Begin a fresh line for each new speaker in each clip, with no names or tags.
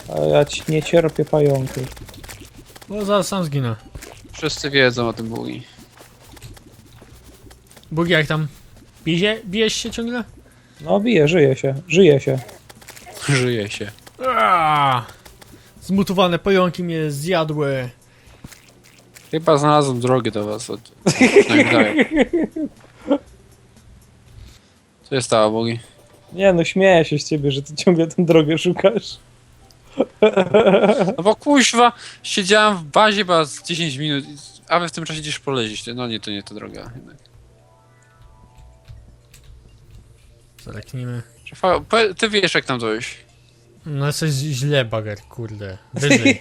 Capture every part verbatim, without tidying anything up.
A ja ci nie cierpię pająków.
Bo zaraz sam zginę.
Wszyscy wiedzą o tym bugi.
Bugi, jak tam? Bije, bijesz się ciągle?
No bije, żyje się, żyje się.
Żyje się.
Aaaa! Zmutowane pająki mnie zjadły.
Chyba znalazłem drogę do was. Od... Nagdaję. Co się stało, bugi?
Nie no, śmieję się z ciebie, że ty ciągle tę drogę szukasz.
No bo kuźwa, siedziałem w bazie chyba z dziesięć minut, a wy w tym czasie gdzieś polezić. No nie, to nie ta droga. Jednak.
Zaleknijmy.
Rafał, po- ty wiesz jak tam dojść.
No jesteś źle, bager, kurde. Wyżej.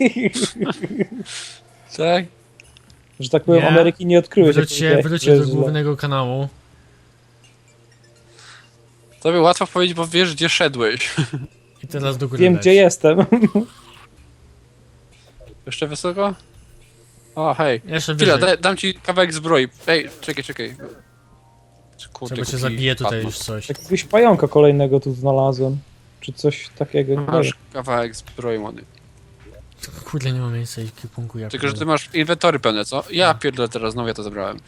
Tak?
Że tak powiem,
Nie.
Ameryki nie odkryłeś. jak
Wróć się,
powiedziałeś,
wróć
że
się do
jest źle.
głównego kanału.
Tobie łatwo powiedzieć, bo wiesz gdzie szedłeś.
I teraz do góry
Wiem
leć.
gdzie jestem.
Jeszcze wysoko? O, hej.
Jeszcze
Chwila,
wyżej.
da, dam ci kawałek zbroi. Ej, czekaj, czekaj. Kurde,
Trzeba cię
kupi
zabije tutaj
padło.
już coś.
Jakiegoś pająka kolejnego tu znalazłem. Czy coś takiego, nie wiem.
Masz kawałek zbroi, młody.
Kurde, nie ma miejsca i kipunku jak.
Tylko, że ty masz inwentory pełne, co? Ja pierdolę teraz, znowu ja to zabrałem.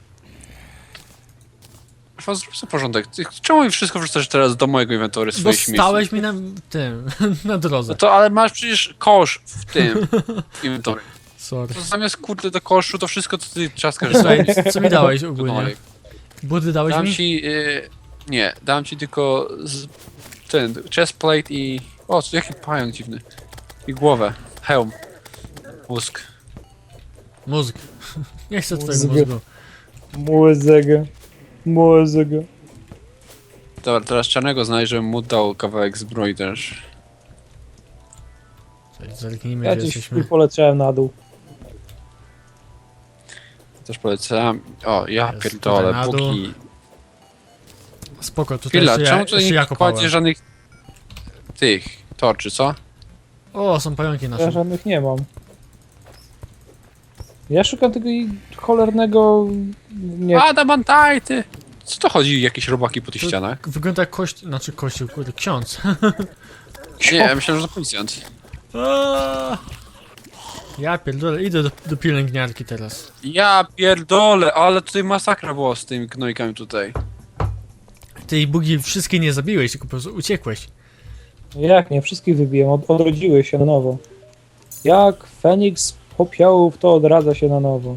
Rafał, zrób sobie porządek. Ty, czemu mi wszystko wrzucasz teraz do mojego inwentory
Bo
swoich śmieci?
stałeś mi na tym, na drodze.
No to, ale masz przecież kosz w tym inwentory.
Sorry.
To zamiast kurde do koszu, to wszystko co ty trzaskasz
Słuchaj,
sobie.
co mi dałeś
No,
ogólnie? Budy dałeś
dam
mi?
ci... Y, nie, dam ci tylko z, ten, chestplate i... O, co, jaki pająk dziwny. I głowę. Hełm. Mózg.
Mózg. Nie chcę twojego
Mózg.
mózgu.
Mózego. Mózego.
Dobra, teraz czarnego znajdę, żebym mu dał kawałek zbroi też.
Słuchaj, zerknijmy,
Ja
gdzie
gdzieś
jesteśmy.
poleciałem na dół.
Też polecam. O, ja
Jest
pierdolę,
tutaj na dół.
póki...
Spoko, tutaj
Chwila,
jeszcze
czemu
ja,
tutaj
jeszcze
nie
ja kopałem.
kładzie żadnych... tych torczy, co?
O, są pająki
Ja
nasze.
żadnych nie mam. Ja szukam tego i cholernego... Nie,
Adamantajty! Co to chodzi, jakieś robaki po tych
To-
ścianach?
Wygląda jak kość... Znaczy kościół, kurde, ksiądz.
Nie, ja myślałem, że to policjant.
Aaa! Ja pierdolę, idę do, do pielęgniarki teraz.
Ja pierdolę, ale tutaj masakra była z tymi gnojkami tutaj.
Ty i bugi wszystkie nie zabiłeś, tylko po prostu uciekłeś.
jak nie? Wszystkich wybiłem. Od, odrodziły się na nowo. Jak Feniks z popiołów, to odradza się na nowo.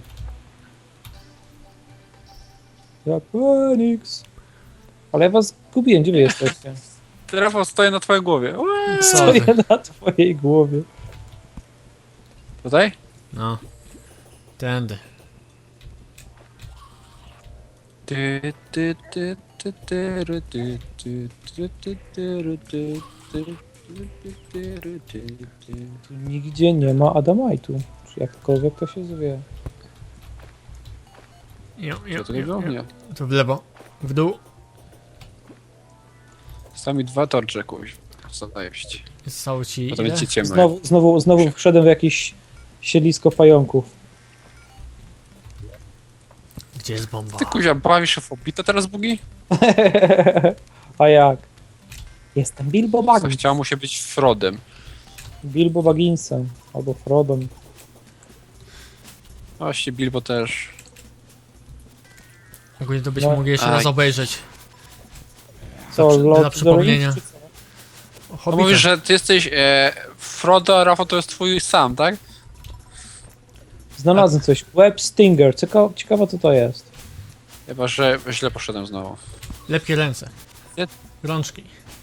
Jak Feniks. Ale ja was gubiłem. Gdzie wy jesteście?
Rafał stoję na twojej głowie. Eee,
Stoję na twojej głowie.
Tutaj?
No. Tędy.
Ty, ty, ty, ty, ty, ry, ty, ty, ty, ty, ty, ry, ty, ty, ty, ty, ry, ty, ty.
Tu nigdzie nie ma Adamaitu. Czy jakkolwiek to się zwie.
Jo, jo,
Co to nie było? Nie.
To w lewo. W dół.
Zostały mi dwa torcze, kuś. Zajeść.
Zostało ci
Potem
ile?
będzie ciemno.
Znowu, znowu, znowu wszedłem w jakieś siedlisko pająków.
Gdzie jest bomba?
Ty kuzia, bawisz się w Hobbita teraz, Bugi?
A jak? Jestem Bilbo
Co
Baggins.
chciał mu się być Frodem.
Bilbo Bagginsem. Albo Frodem.
Właśnie Bilbo też.
Ogólnie to byśmy
No.
mogli jeszcze
Aj.
raz obejrzeć.
Co,
Dla przy-
Lord
dla
of the
przypomnienia.
Rings, czy co?
No
Hobbita.
mówisz, że ty jesteś e, Frodo, a Rafał to jest twój sam, tak?
Znalazłem coś. Web Stinger. Ciekawe, ciekawe co to jest.
Chyba, że źle poszedłem znowu.
Lepkie ręce.
Nie.
Rączki.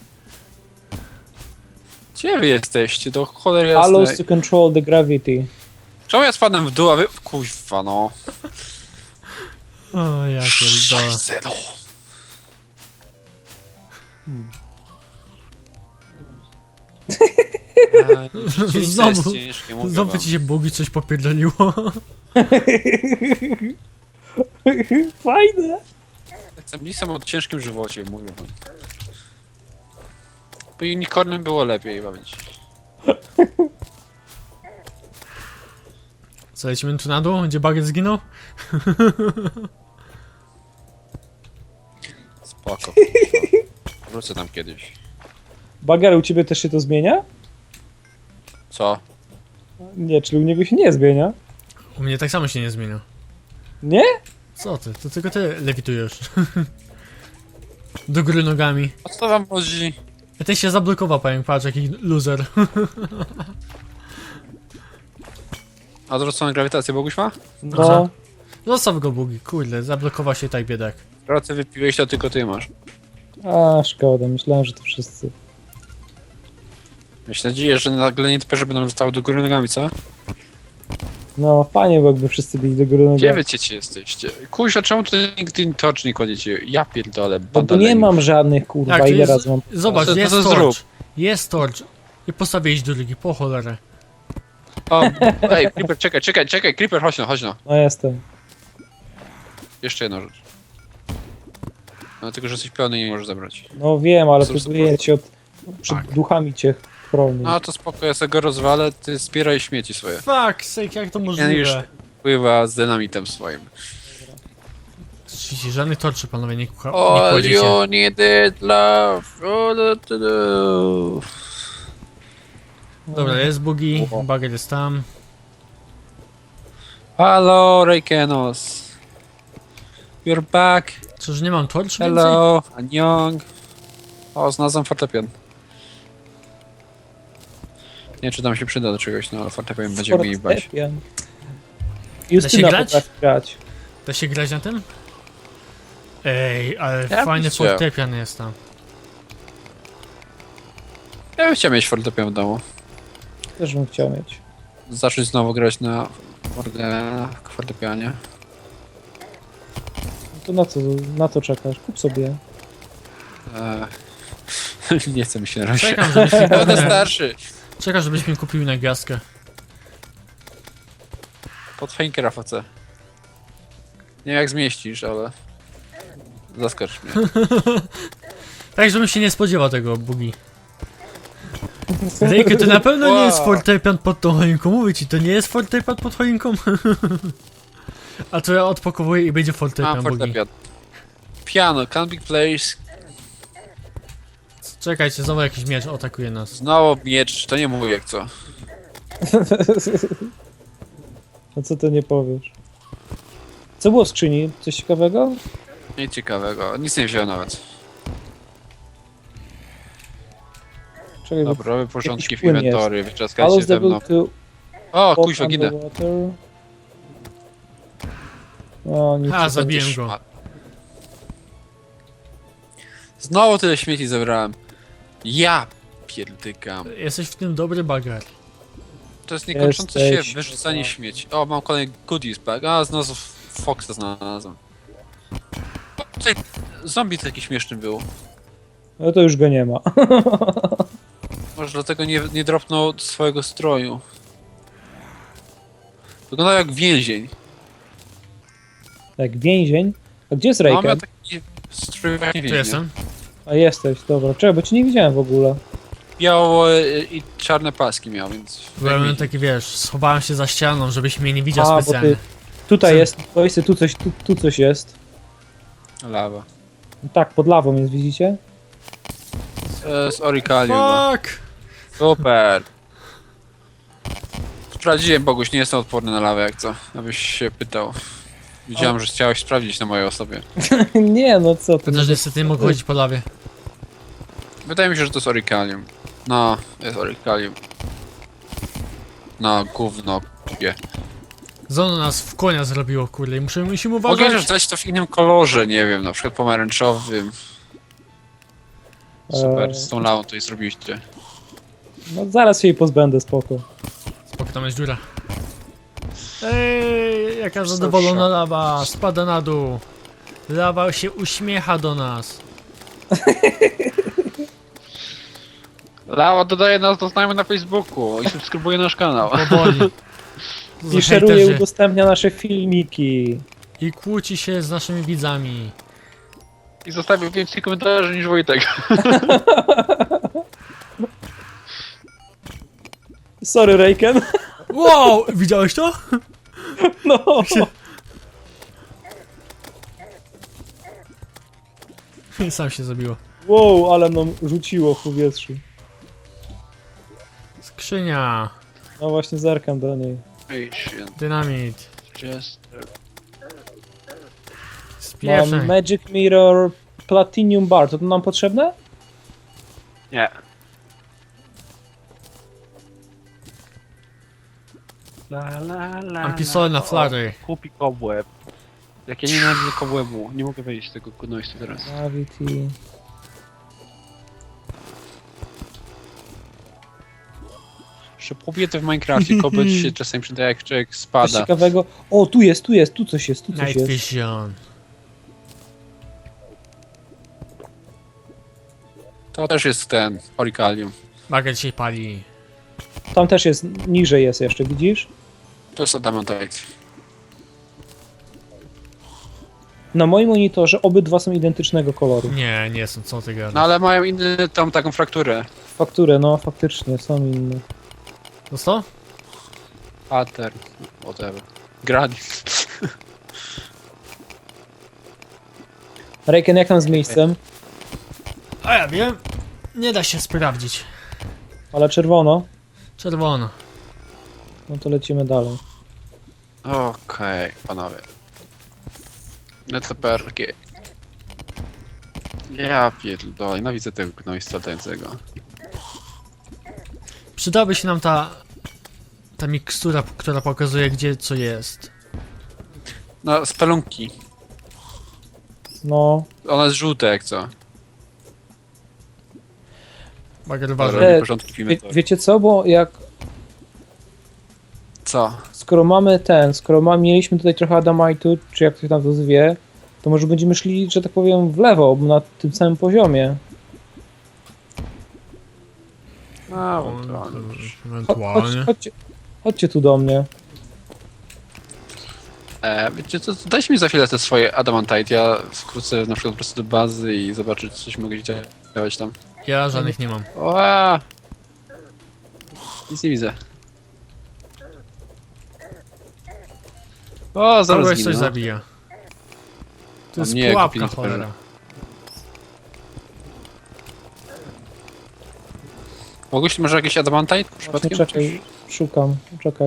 Gdzie wy jesteście? Do cholery
Allows
jasnej.
to control the gravity.
Czemu ja spadłem w dół, a wy... Kuźwa, no.
O, ja pierdolę.
Zero.
Znowu-
Ciężkie, mówię
Znowu
wam.
ci się bugi coś popierdoliło.
Fajne.
Jestem lisem o ciężkim żywocie, mówię wam. Bo unicornem było lepiej bawić.
Co, lecimy tu na dół? Gdzie bagiet zginął?
Spoko. Wrócę tam kiedyś.
Bager, u ciebie też się to zmienia?
Co?
Nie, czyli u niego się nie zmienia.
U mnie tak samo się nie zmienia.
Nie?
Co ty? To tylko ty lewitujesz. Do góry nogami.
O co wam chodzi?
A ten się zablokował, pająk, patrz jaki loser.
A odwróconą grawitację Boguś ma?
No.
Aha. Zostaw go, Bugi, kurde, zablokował się tak biedak.
Pracę wypiłeś, to tylko ty masz.
A, szkoda, myślałem, że to wszyscy.
Myślę, nadzieję, że nagle nie typy, że będą zostały do góry nogami, co?
No, fajnie, bo jakby wszyscy byli do góry
Gdzie
nogami.
wy ciecie jesteście? Kuźwa, czemu tu nigdy tocz nie kładziecie? Ja pierdolę,
Bo tu
banda
nie
leni.
mam żadnych, kurwa,
Jak, to
ile
jest,
razy mam...
zobacz,
To- to-
jest
to
torch.
zrób.
Jest torch. I postawiłeś drugi, po cholerę.
O, ej, Creeper, czekaj, czekaj, czekaj, Creeper, chodź no, chodź no.
No, jestem.
Jeszcze jedna rzecz. No tylko, że jesteś pełny i nie możesz zabrać.
No wiem, ale
Cóż,
próbuję cię od... przed
Tak.
duchami cię chronić.
No to spoko, ja sobie go rozwalę, ty zbieraj śmieci swoje.
Fuck, sake, jak to
Ja już
możliwe?
pływa z dynamitem swoim.
Widzicie, żadnych torczy, panowie, nie, kucha- nie
All
kładziecie.
you needed love, all to do.
Dobra, jest Bugi,
O.
Bagger jest tam.
Hello, Reikenos. You're back.
Czyż nie mam torczy więcej?
Hello, Anjong. O, znalazłem fortepian. Nie wiem, czy tam się przyda do czegoś, no ale fortepian będziemy mieli bać.
Fortepian. Justyna
grać?
potrafi grać.
Da się grać na tym? Ej, ale
Ja
fajny
bym chciał.
fortepian jest tam.
Ja bym chciał mieć fortepian w domu.
Też bym chciał mieć.
Zacząć znowu grać na forte- fortepianie.
No to na co, na to czekasz? Kup sobie.
Eee, nie chcę mi się na razie.
Czekam, żebyś mi
Będę
kupił na,
starszy.
czekam, żebyś mi kupił na gwiazdkę.
Pod Heinkera facę. Nie wiem jak zmieścisz, ale... Zaskocz mnie.
Tak, żebym się nie spodziewał tego, Bugi. Rejku, to na pewno nie jest
Wow.
fortepian pod tą choinką. Mówię ci, to nie jest fortepian pod choinką. A to ja odpakowuję i będzie fortepian,
Mam
Bugi.
fortepian. Piano, can be placed.
Czekajcie, znowu jakiś miecz atakuje nas.
Znowu miecz, to nie mówię jak co.
No co ty nie powiesz? Co było w skrzyni? Coś ciekawego?
Nic ciekawego, nic nie wziąłem nawet.
Czekaj, bo-
Dobra, robię porządki
jakiś
w
płyn
inwentory,
Allows
wyczaskajcie
the
ze mną.
book to
O,
walk
kuźwa, ginę.
underwater. O, nic.
A, zabiłem
Będziesz
go.
szmat. Znowu tyle śmieci zebrałem. Ja pierdykam.
Jesteś w tym dobry bagar.
To jest niekończące się
Jesteś-
wyrzucanie śmieci. O, mam kolejny goodies bag. A, znowu Foxa znalazłem. O, tutaj zombie taki śmieszny był.
No to już go nie ma.
Może dlatego nie, nie dropnął swojego stroju. Wyglądał jak więzień.
Jak więzień. A gdzie jest
No, miał
Rejken?
taki strój jak
Tu
więzień.
jestem.
A jesteś, dobra. Czekaj, bo cię nie widziałem w ogóle.
Białe i czarne paski miał, więc...
Byłem taki, wiesz, schowałem się za ścianą, żebyś mnie nie widział
A, bo
specjalnie.
ty... Tutaj
Co?
jest, to jest, tu coś, tu, tu coś jest.
Lawa.
Tak, pod lawą jest, widzicie?
E, z Orikalium. no.
Fuck!
Super. Sprawdziłem, Boguś, nie jestem odporny na lawę, jak co? Abyś się pytał. Widziałem, że chciałeś sprawdzić na mojej osobie.
Nie, no co ty.
To też niestety nie mogę chodzić po lawie.
Wydaje mi się, że to jest Orikalium. No, jest Orikalium. No, gówno, kupię.
Zono nas w konia zrobiło, kurde, i muszę, musimy
Mogę też
uważać.
dać to w innym kolorze, nie wiem, na przykład pomarańczowym. Super,
Eee.
z tą lawą to i zrobiliście.
No zaraz się jej pozbędę, spoko.
Spoko, tam jest dziura. Ej, jaka zadowolona lawa, spada na dół. Lawa się uśmiecha do nas.
Lawa dodaje nas do znajomych na Facebooku i subskrybuje nasz kanał.
Powoli. To za
I szeruje,
hejterzy.
udostępnia nasze filmiki.
I kłóci się z naszymi widzami.
I zostawił więcej komentarzy niż Wojtek.
Sorry, Rejken.
Wow! Widziałeś to?
No.
Sam się zabiło.
Wow, ale nam rzuciło w powietrzu.
Skrzynia.
No właśnie zerkam do niej.
Patient.
Dynamit.
Just...
Mam
Spieprzaj.
Magic Mirror Platinum Bar, to to nam potrzebne?
Nie. La, la, la,
Mam pistolet na
la.
flary.
O, Kupi kobłeb. Jak ja nienawidzę kobłebu. Nie mogę wejść z tego gnojstwa teraz.
Gravity.
Jeszcze kobiety w Minecrafcie, kobłeb się czasem przydaje jak człowiek
Coś
spada.
ciekawego. O, tu jest, tu jest, tu coś jest, tu coś
Night
jest.
Vision.
To też jest ten, Oricalium.
Margaret się pali.
Tam też jest, niżej jest jeszcze, widzisz?
To jest adamantite.
Na moim monitorze obydwa są identycznego koloru.
Nie, nie są, co ty gadasz.
No ale mają inny, tą taką frakturę.
Fakturę, no faktycznie, są inne.
To co?
Pattern, whatever. Gradient.
Rejken, jak tam z miejscem?
A ja wiem. Nie da się sprawdzić.
Ale czerwono.
Czerwono.
No to lecimy dalej.
Okej, panowie. Netleperki. Ja pierdolę, no widzę tego gnojstwa latającego.
Przydałaby się nam ta... Ta mikstura, która pokazuje, gdzie co jest.
No, spelunki.
No.
Ona jest żółta jak co.
Margaret
Dobra,
uważaj.
E,
robię porządki w
Wie,
inwentory.
wiecie co, bo jak...
Co?
Skoro mamy ten, skoro ma, mieliśmy tutaj trochę Adamitu, czy jak ktoś tam to zwie, to może będziemy szli, że tak powiem, w lewo, na tym samym poziomie.
A,
O,
ewentualnie.
Cho- chodź,
Ewentualnie.
chodźcie, chodźcie tu do mnie.
E, wiecie co, dajcie mi za chwilę te swoje adamantite, ja wkrótce na przykład po prostu do bazy i zobaczyć, czy coś mogę działać tam.
Ja żadnych nie mam.
Oa! Nic nie widzę. O, zaraz
Kogoś
zginę,
coś
no.
zabija. To
A
jest
mnie,
pułapka,
kupię
cholera.
Mogłeś może jakiś adamantite
Właśnie
przypadkiem?
czekaj, szukam, czekaj.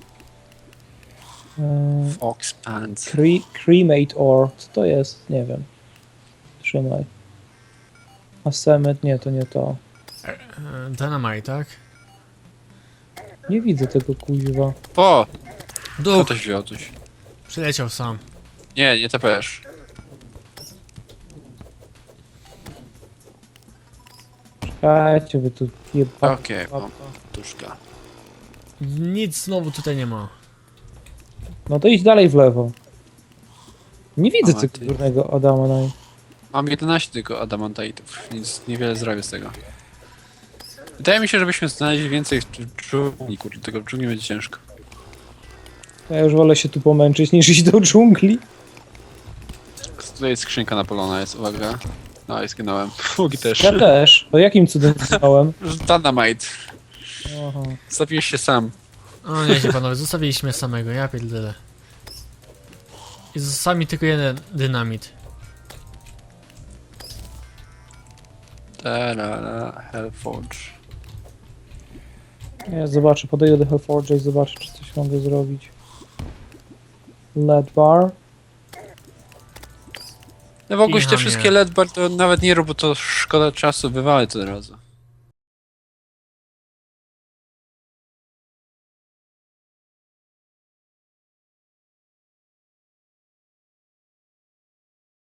Eee,
Fox Pants.
cre cremate ore, co to jest? Nie wiem. Trzymaj. A Semet, nie, to nie to.
E, Dynamite, tak?
Nie widzę tego kuźwa.
O! Kto
Duch!
to wziął coś?
Przyleciał sam.
Nie, nie T P S.
Czekajcie, wy tu jeba...
Okej, mam tuszka.
Nic znowu tutaj nie ma.
No to idź dalej w lewo. Nie widzę
O,
tego
ty.
górnego Adama. No.
Mam jedenaście tylko adamantitów, więc niewiele zrobię z tego. Wydaje mi się, żebyśmy znaleźli więcej w dżungli, kurde, tego w dżungli będzie ciężko.
Ja już wolę się tu pomęczyć niż iść do dżungli.
Tutaj jest skrzynka napolona, jest, uwaga. No i zginąłem. Fugi też.
Ja też. To jakim cudem znałem?
Dynamite.
Aha.
Zabiłeś się sam.
O nie, panowie, zostawiliśmy samego, ja pierdolę. I został mi tylko jeden dynamit.
Tarara, Hellforge.
Ja zobaczę, podejdę do Hellforge'a i zobaczę, czy coś mogę zrobić. Lead bar.
No w ogóle te
Kicha
wszystkie
mnie.
L E D bar to nawet nie rób, bo to szkoda czasu, wywalę to od razu.